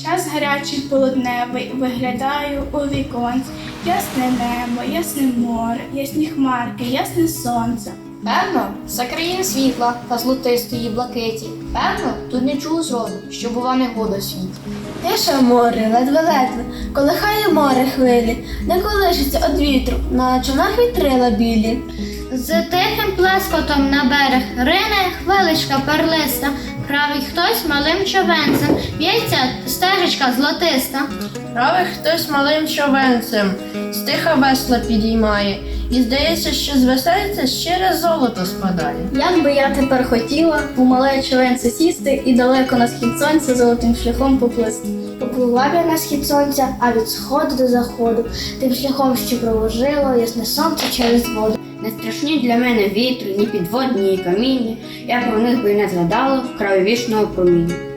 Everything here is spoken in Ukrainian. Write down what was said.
Час гарячий полудневий, виглядаю у віконці. Ясне небо, ясне море, ясні хмарки, ясне сонце. Певно, за країни світла та золотистої блакиті. Певно, тут не чув зроду, що була негода в світі. Тиша море, ледве-ледве, колихає море хвилі, не колишиться од вітру, на човнах вітрила білі. З тихим плескотом на берег рине хвиличка перлиста, править хтось малим човенцем, в'ється стежечка золотиста. Править хтось малим човенцем, стиха весла підіймає, і здається, що з весельця щире золото спадає. Як би я тепер хотіла у мале човенце сісти і далеко на схід сонця золотим шляхом поплисти. Поплила б я на схід сонця, а від сходу до заходу, тим шляхом, що проложило ясне сонце через воду. Не страшні для мене вітри, ні підводні, ні каміння, я про них би й не згадала в краю вічного проміння.